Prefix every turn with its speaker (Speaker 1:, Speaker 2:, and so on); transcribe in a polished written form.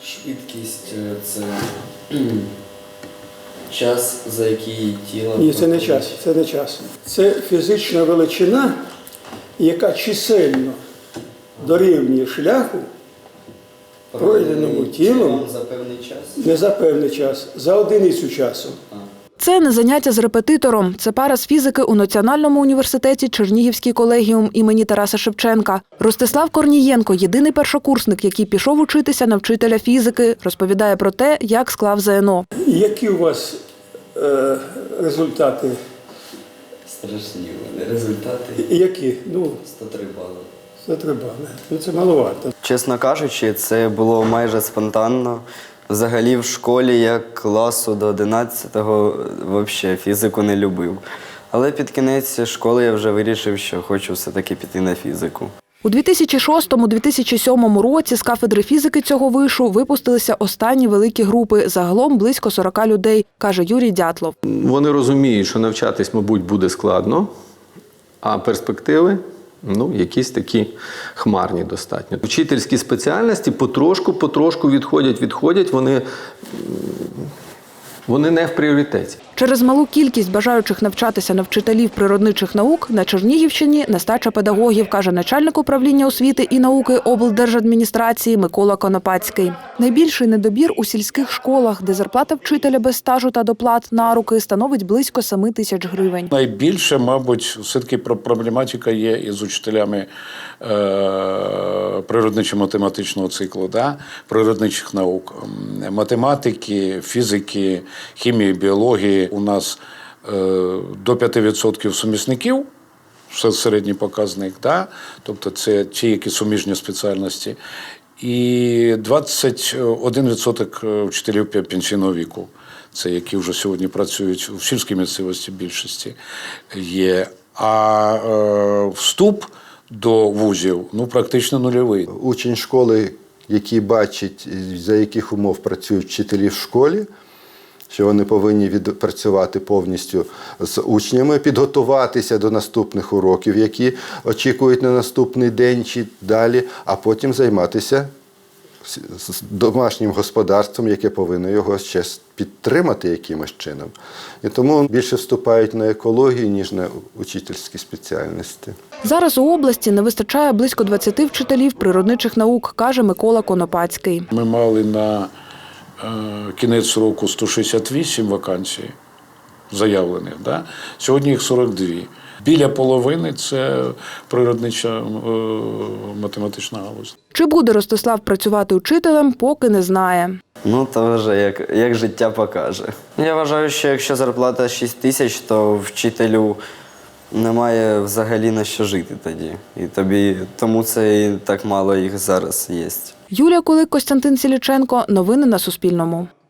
Speaker 1: Швидкість – це час, за який тіло…
Speaker 2: Ні, це не час, це не час. Це фізична величина, яка чисельно дорівнює шляху, пройденому тілом,
Speaker 1: за певний час?
Speaker 2: не за певний час, за одиницю часу.
Speaker 3: Це не заняття з репетитором. Це пара з фізики у Національному університеті Чернігівський колегіум імені Тараса Шевченка. Ростислав Корнієнко – єдиний першокурсник, який пішов учитися на вчителя фізики. Розповідає про те, як склав ЗНО.
Speaker 2: Які у вас результати?
Speaker 1: Страшні вони результати.
Speaker 2: Які?
Speaker 1: 103 бали.
Speaker 2: 103 бали. Це маловато.
Speaker 1: Чесно кажучи, це було майже спонтанно. Взагалі в школі я класу до 11-го взагалі фізику не любив. Але під кінець школи я вже вирішив, що хочу все-таки піти на фізику.
Speaker 3: У 2006-2007 році з кафедри фізики цього вишу випустилися останні великі групи, загалом близько 40 людей, каже Юрій Дятлов.
Speaker 4: Вони розуміють, що навчатись, мабуть, буде складно, а перспективи якісь такі хмарні достатньо. Вчительські спеціальності потрошку відходять, вони не в пріоритеті.
Speaker 3: Через малу кількість бажаючих навчатися на вчителів природничих наук на Чернігівщині нестача педагогів, каже начальник управління освіти і науки облдержадміністрації Микола Конопацький. Найбільший недобір у сільських школах, де зарплата вчителя без стажу та доплат на руки становить близько 7 тисяч гривень.
Speaker 5: Найбільше, мабуть, все-таки проблематика є із учителями природничо-математичного циклу, природничих наук, математики, фізики, хімії, біології. У нас до 5% сумісників, це середній показник, тобто це ті, які суміжні спеціальності, і 21% вчителів пенсійного віку. Це які вже сьогодні працюють в сільській місцевості більшості є. А вступ до вузів практично нульовий.
Speaker 6: Учень школи, який бачить, за яких умов працюють вчителі в школі, що вони повинні відпрацювати повністю з учнями, підготуватися до наступних уроків, які очікують на наступний день чи далі, а потім займатися домашнім господарством, яке повинно його ще підтримати якимось чином. І тому більше вступають на екологію, ніж на учительські спеціальності.
Speaker 3: Зараз у області не вистачає близько 20 вчителів природничих наук, каже Микола Конопацький.
Speaker 5: Ми мали на кінець року 168 вакансій заявлених, сьогодні їх 42. Біля половини – це природнича математична галузь.
Speaker 3: Чи буде Ростислав працювати учителем, поки не знає.
Speaker 1: То вже як життя покаже. Я вважаю, що якщо зарплата 6 тисяч, то вчителю немає взагалі на що жити тоді. Тому це і так мало їх зараз є.
Speaker 3: Юлія Кулик, Костянтин Сіліченко. Новини на Суспільному.